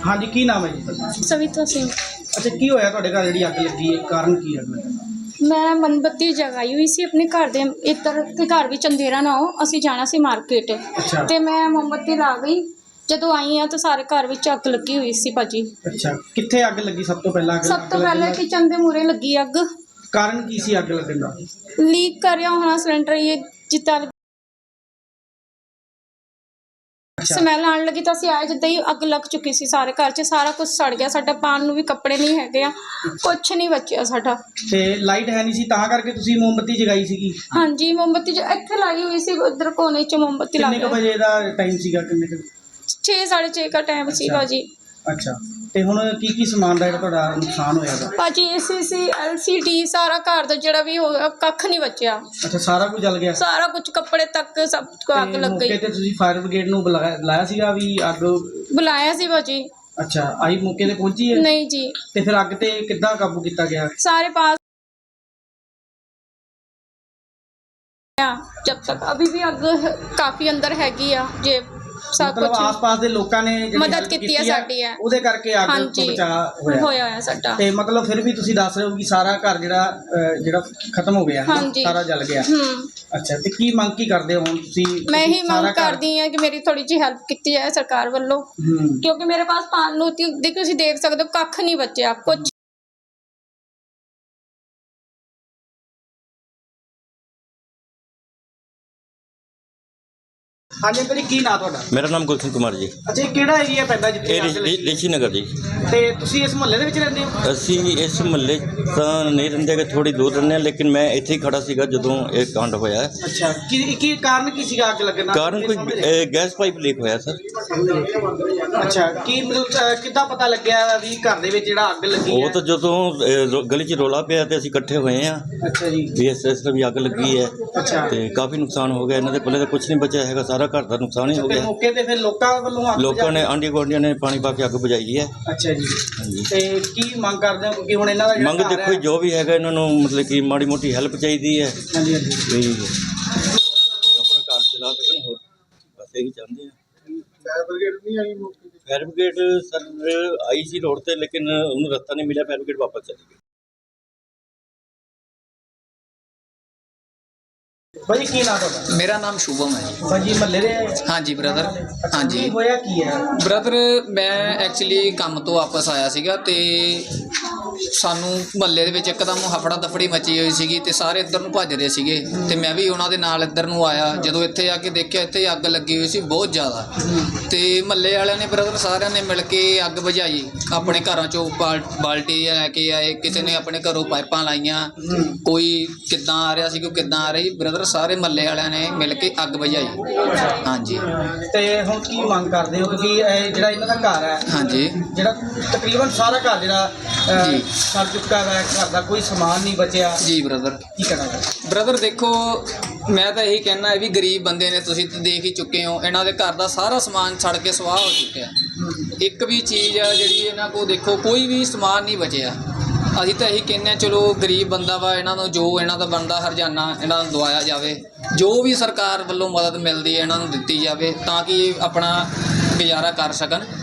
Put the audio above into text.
हाँ जी, की नाम है जी ਤੁਹਾਡਾ? सविता सिंह। अच्छा, की होया ਤੁਹਾਡੇ ਘਰ ਜਿਹੜੀ ਅੱਗ ਲੱਗੀ ਹੈ, ਕਾਰਨ ਕੀ ਹੈ ਅੱਗ ਲੱਗਣ ਦਾ? मैं मोमबत्ती जगाई हुई सी अपने घर दे इधर के घर भी अंधेरा ना हो, असी जाना सी मार्केट अच्छा। ते मैं मोमबत्ती ला गई। जदों आई हाँ तो सारे घर विच अग लगी हुई सी भाजी। अच्छा, कित्थे ਅੱਗ ਲੱਗੀ ਸਭ ਤੋਂ ਪਹਿਲਾਂ? सब तो पहले किचन दे मूहरे लगी अग। ਕਾਰਨ ਕੀ ਸੀ ਅੱਗ ਲੱਗਣ ਦਾ? लीक कर रहा होना सिलेंडर, ये जिता स्मैल आने लगी तो असं आए जिदा ही अग लग चुकी सी सारे घर च, सारा कुछ सड़ गया। साडा पान नूं भी कपड़े नहीं हैगे आ, कुछ नहीं बचिया साडा। ਤੇ ਲਾਈਟ ਹੈ ਨਹੀਂ ਸੀ ਤਾਂ ਕਰਕੇ ਤੁਸੀਂ ਮੋਮਬੱਤੀ ਜਗਾਈ ਸੀਗੀ? हाँ जी, मोमबत्ती जो इत्थे लाई हुई सी, उधर कोने च मोमबत्ती ला ਕਿੰਨੇ ਕੁ ਵਜੇ ਦਾ ਟਾਈਮ ਸੀਗਾ, ਕਿੰਨੇ ਕੁ? 6 साढ़े 6 का टाइम सी भाजी। ਅੱਛਾ, ਤੇ ਹੁਣ ਕੀ ਸਮਾਨ ਦਾ ਜਿਹੜਾ ਤੁਹਾਡਾ ਨੁਕਸਾਨ ਹੋਇਆ ਵਾ? ਭਾਜੀ ACC LCD ਸਾਰਾ ਘਰ ਦਾ ਜਿਹੜਾ ਵੀ ਹੋਇਆ ਕੱਖ ਨਹੀਂ ਬਚਿਆ। ਅੱਛਾ, ਸਾਰਾ ਕੁਝ ਜਲ ਗਿਆ? ਸਾਰਾ ਕੁਝ ਕੱਪੜੇ ਤੱਕ ਸਭ ਕੁ ਅੱਗ ਲੱਗ ਗਈ। ਮੌਕੇ ਤੇ ਤੁਸੀਂ ਫਾਇਰ ਬ੍ਰਿਗੇਡ ਨੂੰ ਬੁਲਾਇਆ ਸੀਗਾ ਵੀ ਅੱਗ? ਬੁਲਾਇਆ ਸੀ ਭਾਜੀ। ਅੱਛਾ, ਆਈ ਮੌਕੇ ਤੇ ਪਹੁੰਚੀ ਹੈ? ਨਹੀਂ ਜੀ। ਤੇ ਫਿਰ ਅੱਗ ਤੇ ਕਿੱਦਾਂ ਕਾਬੂ ਕੀਤਾ ਗਿਆ? ਸਾਰੇ ਪਾਸ जब तक अभी भी अग काफी अंदर हैगी आ जे सब मतलब कुछ आस-पास ਦੇ ਲੋਕਾਂ ਨੇ ਜਿਹੜੀ ਮਦਦ help ਕੀਤੀ ਹੈ ਸਾਡੀ ਹੈ, ਉਹਦੇ ਕਰਕੇ ਅੱਗ ਤੋਂ ਬਚਾਅ ਹੋਇਆ ਹੈ ਸਾਡਾ। ਤੇ ਮਤਲਬ ਫਿਰ ਵੀ ਤੁਸੀਂ ਦੱਸ ਰਹੇ ਹੋ ਕਿ ਸਾਰਾ ਘਰ ਜਿਹੜਾ ਖਤਮ ਹੋ ਗਿਆ, ਸਾਰਾ ਜਲ ਗਿਆ। ਅੱਛਾ, ਤੇ ਕੀ ਮੰਗ ਕੀ ਕਰਦੇ ਹੋ ਹੁਣ ਤੁਸੀਂ? ਮੈਂ ਹੀ ਮੰਗ ਕਰਦੀ ਹਾਂ ਕਿ ਮੇਰੀ ਥੋੜੀ ਜਿਹੀ ਹੈਲਪ ਕੀਤੀ ਜਾਏ ਸਰਕਾਰ ਵੱਲੋਂ, ਕਿਉਂਕਿ ਮੇਰੇ ਪਾਸ ਪਾਣ ਨੂੰ ਦੇਖੋ, ਤੁਸੀਂ ਦੇਖ ਸਕਦੇ ਹੋ ਕੱਖ ਨਹੀਂ ਬਚਿਆ ਕੁਝ। ਹਾਂਜੀ ਅੰਕਲ ਜੀ, ਕੀ ਨਾਂ ਤੁਹਾਡਾ? मेरा नाम गुलशन कुमार जी। ਅੱਛਾ, ਇਹ ਕਿਹੜਾ ਏਰੀਆ ਪੈਂਦਾ ਜਿੱਥੇ ਅੱਗ ਲੱਗੀ? ਰਿਸ਼ੀ ਨਗਰ ਜੀ। ਤੇ ਤੁਸੀਂ ਇਸ ਮੁਹੱਲੇ ਦੇ ਵਿੱਚ ਰਹਿੰਦੇ ਹੋ? ਅਸੀਂ ਇਸ ਮੁਹੱਲੇ ਤਾਂ ਨਹੀਂ ਰਹਿੰਦੇ ਕਿ ਥੋੜੀ ਦੂਰ ਰਹਿੰਦੇ ਹਾਂ, ਲੇਕਿਨ ਮੈਂ ਇੱਥੇ ਹੀ ਖੜਾ ਸੀਗਾ ਜਦੋਂ ਇਹ ਕਾਂਡ ਹੋਇਆ। ਅੱਛਾ, ਕੀ ਕਾਰਨ ਕੀ ਸੀਗਾ ਅੱਗ ਲੱਗਣ ਦਾ? ਕਾਰਨ ਕੋਈ ਗੈਸ ਪਾਈਪ ਲੀਕ ਹੋਇਆ ਸਰ। ਅੱਛਾ, ਕੀ ਮਤਲਬ ਕਿੱਦਾਂ ਪਤਾ ਲੱਗਿਆ ਵੀ ਘਰ ਦੇ ਵਿੱਚ ਜਿਹੜਾ ਅੱਗ ਲੱਗੀ ਹੈ? ਉਹ ਤਾਂ ਜਦੋਂ ਗਲੀ 'ਚ ਰੌਲਾ ਪਿਆ ਤੇ ਅਸੀਂ ਇਕੱਠੇ ਹੋਏ ਹਾਂ ਅੱਛਾ ਜੀ। ਵੀ ਇਸ ਤਰ੍ਹਾਂ ਵੀ ਅੱਗ ਲੱਗੀ ਹੈ। ਅੱਛਾ, ਤੇ ਕਾਫੀ ਨੁਕਸਾਨ ਹੋ ਗਿਆ, ਇਹਨਾਂ ਦੇ ਕੋਲੇ ਤਾਂ ਕੁਝ ਨਹੀਂ ਬਚਿਆ ਹੈਗਾ, ਸਾਰਾ ਘਰ ਦਾ ਨੁਕਸਾਨ ਹੀ ਹੋ ਗਿਆ। ਮੌਕੇ ਤੇ ਫਿਰ ਲੋਕਾਂ ਵੱਲੋਂ ਲੋਕਾਂ ਨੇ ਆਂਢੀ ਗੁਆਂਢੀਆਂ ਨੇ ਪਾਣੀ ਪਾ ਕੇ ਅੱਗ ਬੁਝਾਈ ਹੈ। ਅੱਛਾ ਜੀ। ਹਾਂਜੀ, ਤੇ ਕੀ ਮੰਗ ਕਰਦੇ ਹੋ ਕਿਉਂਕਿ ਹੁਣ ਇਹਨਾਂ ਦਾ ਮੰਗ ਦੇਖੋ ਜੋ ਵੀ ਹੈਗਾ ਇਹਨਾਂ ਨੂੰ ਮਤਲਬ ਕਿ ਮਾੜੀ ਮੋਟੀ ਹੈਲਪ ਚਾਹੀਦੀ ਹੈ। ਹਾਂਜੀ ਹਾਂਜੀ, ਵੀ ਆਪਣਾ ਘਰ ਚਲਾ ਸਕਣ, ਹੋਰ ਬਸ ਇਹੀ ਚਾਹੁੰਦੇ ਆ। ਫਾਇਰ ਬ੍ਰਿਗੇਡ ਨਹੀਂ ਆਈ ਮੌਕੇ ਤੇ? ਫਾਇਰ ਬ੍ਰਿਗੇਡ ਸਰ ਆਈ ਸੀ ਰੋਡ ਤੇ, ਲੇਕਿਨ ਉਹਨੂੰ ਰਸਤਾ ਨਹੀਂ ਮਿਲਿਆ, ਫਾਇਰ ਬ੍ਰਿਗੇਡ ਵਾਪਸ ਚਲੀ ਗਈ। ਭਾਜੀ ਕੀ ਨਾਮ ਤੁਹਾਡਾ? मेरा नाम शुभम है। ਭਾਜੀ ਮਹੱਲੇ ਦੇ? हाँ जी ब्रदर। हाँ जी ਕੀ ਹੋਇਆ ਕੀ ਹੈ? ਬ੍ਰਦਰ, ਮੈਂ ਐਕਚੁਅਲੀ ਕੰਮ ਤੋਂ ਵਾਪਸ ਆਇਆ ਸੀਗਾ ਤੇ ਸਾਨੂੰ ਮਹੱਲੇ ਦੇ ਵਿੱਚ ਇੱਕਦਮ ਹਫੜਾ ਦਫੜੀ ਮਚੀ ਹੋਈ ਸੀਗੀ ਤੇ ਸਾਰੇ ਇੱਧਰ ਨੂੰ ਭੱਜ ਰਹੇ ਸੀਗੇ ਤੇ ਮੈਂ ਵੀ ਉਹਨਾਂ ਦੇ ਨਾਲ ਇੱਧਰ ਨੂੰ ਆਇਆ। ਜਦੋਂ ਇੱਥੇ ਆ ਕੇ ਦੇਖਿਆ ਇੱਥੇ ਅੱਗ ਲੱਗੀ ਹੋਈ ਸੀ ਬਹੁਤ ਜ਼ਿਆਦਾ, ਤੇ ਮਹੱਲੇ ਵਾਲਿਆਂ ਨੇ ਬ੍ਰਦਰ ਸਾਰਿਆਂ ਨੇ ਮਿਲ ਕੇ ਅੱਗ ਬੁਝਾਈ। ਆਪਣੇ ਘਰਾਂ ਚੋਂ ਬਾਲਟੀ ਲੈ ਕੇ ਆਏ, ਕਿਸੇ ਨੇ ਆਪਣੇ ਘਰੋਂ ਪਾਈਪਾਂ ਲਾਈਆਂ, ਕੋਈ ਕਿੱਦਾਂ ਆ ਰਿਹਾ ਸੀ, ਕੋਈ ਕਿੱਦਾਂ ਆ ਰਹੀ, ਬ੍ਰਦਰ ਸਾਰੇ ਮਹੱਲੇ ਵਾਲਿਆਂ ਨੇ ਮਿਲ ਕੇ ਅੱਗ ਬੁਝਾਈ। ਹਾਂਜੀ। ਤੇ ਹੁਣ ਕੀ ਮੰਗ ਕਰਦੇ ਹੋ ਕਿਉਂਕਿ ਇਹ ਜਿਹੜਾ ਇਹਨਾਂ ਦਾ ਘਰ ਹੈ, ਹਾਂਜੀ ਜਿਹੜਾ ਤਕਰੀਬਨ ਸਾਰਾ ਘਰ ਜਿਹੜਾ ਜੀ ਸੜ ਚੁੱਕਾ ਹੈ, ਘਰ ਦਾ ਕੋਈ ਸਮਾਨ ਨਹੀਂ ਬਚਿਆ, ਜੀ ਬ੍ਰਦਰ। ਕੀ ਕਰਨਾ? ਬ੍ਰਦਰ ਦੇਖੋ, ਮੈਂ ਤਾਂ ਇਹੀ ਕਹਿਣਾ ਹੈ ਵੀ ਗਰੀਬ ਬੰਦੇ ਨੇ, ਤੁਸੀਂ ਤਾਂ ਦੇਖ ਹੀ ਚੁੱਕੇ ਹੋ, ਇਹਨਾਂ ਦੇ ਘਰ ਦਾ ਸਾਰਾ ਸਮਾਨ ਸੜ ਕੇ ਸਵਾਹ ਹੋ ਚੁੱਕਿਆ। ਇੱਕ ਵੀ ਚੀਜ਼ ਆ ਜਿਹੜੀ ਇਹਨਾਂ ਕੋਲ ਦੇਖੋ ਕੋਈ ਵੀ ਸਮਾਨ ਨਹੀਂ ਬਚਿਆ। ਅਸੀਂ ਤਾਂ ਇਹੀ ਕਹਿੰਦੇ ਹਾਂ ਚਲੋ ਗਰੀਬ ਬੰਦਾ ਵਾ, ਇਹਨਾਂ ਨੂੰ ਜੋ ਇਹਨਾਂ ਦਾ ਬਣਦਾ ਹਰਜਾਨਾ ਇਹਨਾਂ ਨੂੰ ਦਵਾਇਆ ਜਾਵੇ, ਜੋ ਵੀ ਸਰਕਾਰ ਵੱਲੋਂ ਮਦਦ ਮਿਲਦੀ ਹੈ ਇਹਨਾਂ ਨੂੰ ਦਿੱਤੀ ਜਾਵੇ ਤਾਂ ਕਿ ਇਹ ਆਪਣਾ ਗੁਜ਼ਾਰਾ ਕਰ ਸਕਣ।